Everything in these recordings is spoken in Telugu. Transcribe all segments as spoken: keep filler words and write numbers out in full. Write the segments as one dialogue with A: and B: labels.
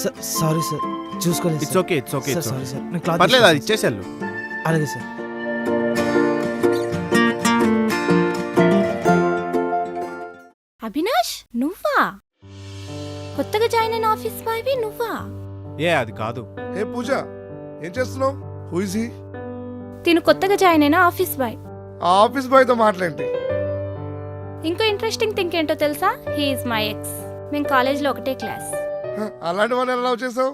A: సారీ సార్, చూసుకోలేదు.
B: It's okay it's okay
A: sorry sir, నేను క్లాత్
B: పర్లేదు, అది ఇచ్చేసాను.
A: అలాగే సార్.
C: అవినాష్, నువ్వా? కొత్తగా జాయిన్ అయిన ఆఫీస్ బాయ్వి నువ్వా?
B: ఏ అది కాదు.
D: ఏ పూజ, ఏం చేస్తున్నావు? Who is he?
C: తిను కొత్తగా జాయిన్ అయిన ఆఫీస్ బాయ్.
D: ఆ ఆఫీస్ బాయ్ తో మాట్లాడండి.
C: ఇంకో ఇంట్రెస్టింగ్ థింగ్ ఏంటో తెలుసా? He is my ex. మేము కాలేజ్లో ఒకటే క్లాస్.
D: అలాంటి వాళ్ళని ఎలా లవ్ చేసావు?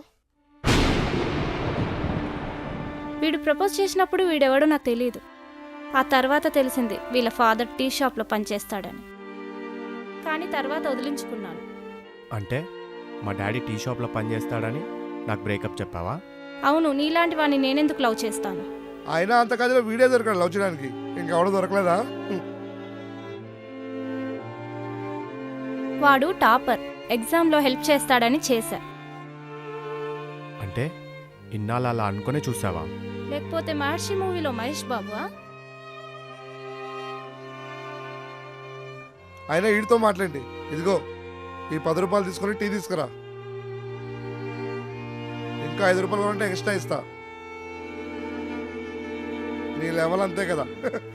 C: వీడు ప్రపోజ్ చేసినప్పుడు వీడెవడో నాకు తెలియదు. ఆ తర్వాత తెలిసింది వీళ్ళ ఫాదర్ టీ షాప్లో పనిచేస్తాడని. కానీ తర్వాత వదిలించుకున్నాను.
B: అంటే మా డాడీ టీ షాప్లో పనిచేస్తాడని నాకు బ్రేకప్ చెప్పావా?
C: అవును, నీలాంటి వాడిని నేనెందుకు లవ్ చేస్తాను?
D: అయినా అంత కదిలో వీడియో దొరకడు లవ్ చేయడానికి. ఇంకెవడో దొరకలేదా?
C: వాడు టాపర్, ఎగ్జామ్లో హెల్ప్ చేస్తాడని చేశా.
B: అంటే ఇన్నాళ్ళు అలా అనుకునే చూసావా?
C: లేకపోతే మహర్షి మూవీలో మహేష్ బాబువా?
D: అయినా వీడితో మాట్లాడండి. ఇదిగో ఈ పది రూపాయలు తీసుకొని టీ తీసుకురా. ఇంకా ఐదు రూపాయలు ఉంటే ఎక్స్ట్రా ఇస్తా. నీ లెవెల్ అంతే కదా.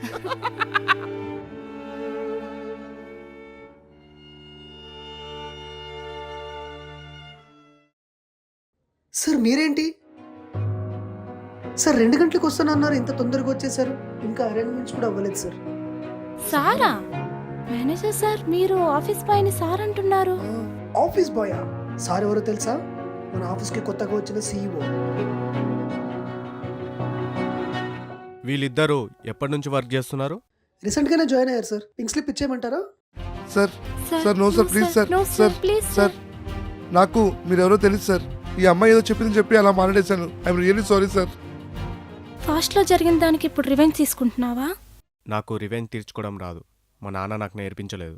E: సార్ మీరేంటి సార్ రెండు గంటలకు వస్తానన్నారు, ఇంత తొందరగా వచ్చేసారు? ఇంకా అరేంజ్మెంట్స్ కూడా అవ్వలేదు సార్.
C: సారా? మేనేజర్ సార్, మీరు ఆఫీస్ బాయ్ని సార్ అంటున్నారు?
E: ఆఫీస్ బాయా? సార్ ఎవరో తెలుసా? మన ఆఫీస్కి కొత్తగా వచ్చిన సీఈఓ.
B: వీళ్ళిద్దరూ ఎప్పటి నుంచి వర్క్ చేస్తున్నారు?
E: రీసెంట్ గానే జాయిన్ అయ్యారు సార్. పింక్ స్లిప్ ఇచ్చేయమంటారా?
D: Sir sir no sir, please sir. Sir sir నాకు మీరెవరో తెలుసు సార్. ఈ అమ్మాయి ఏదో చెప్పింది చెప్పి అలా మాట్లాడేశాను. I'm really sorry sir.
C: ఫాస్ట్లో జరిగిన దానికి ఇప్పుడు రివెంజ్ తీసుకుంటున్నావా?
B: నాకు రివెంజ్ తీర్చుకోవడం రాదు. మా నాన్న నాకు నేర్పించలేదు.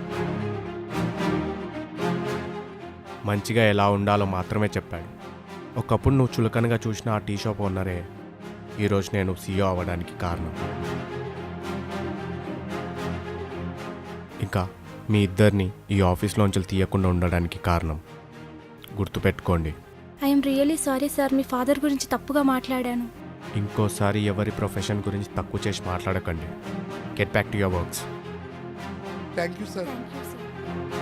B: మంచిగా ఎలా ఉండాలో మాత్రమే చెప్పాడు. ఒకప్పుడు నువ్వు చులకనగా చూసిన ఆ టీ షాప్ ఓనరే ఈరోజు నేను సీఈఓ అవ్వడానికి కారణం. ఇంకా మీ ఇద్దరిని ఈ ఆఫీస్లోంచి తీయకుండా ఉండడానికి కారణం. గుర్తుపెట్టుకోండి.
C: ఐఎమ్ రియలీ సారీ సార్, మీ ఫాదర్ గురించి తప్పుగా మాట్లాడాను.
B: ఇంకోసారి ఎవరి ప్రొఫెషన్ గురించి తక్కువ చేసి మాట్లాడకండి. Get back to your works.
D: Thank you sir.
C: Thank you sir.